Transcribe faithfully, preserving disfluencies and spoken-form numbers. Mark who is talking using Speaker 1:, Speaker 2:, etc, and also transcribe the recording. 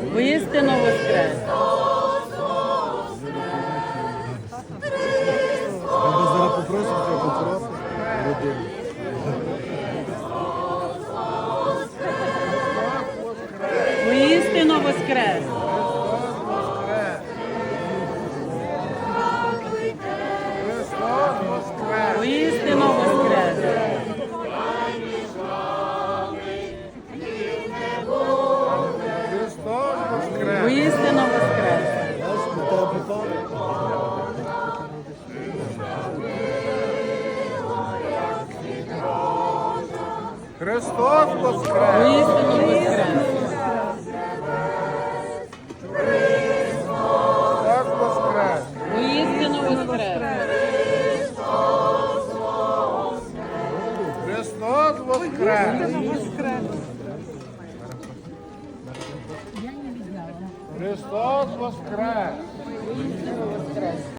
Speaker 1: Воістину воскрес!
Speaker 2: Треба зараз попросити, треба попросити людину.
Speaker 1: Воістину воскрес! Воістину воскрес! Воістину воскрес!
Speaker 3: Христос воскрес!
Speaker 1: Воістину воскрес!
Speaker 3: Христос воскрес!
Speaker 1: Воістину воскрес!
Speaker 3: Христос воскрес! Христос воскрес!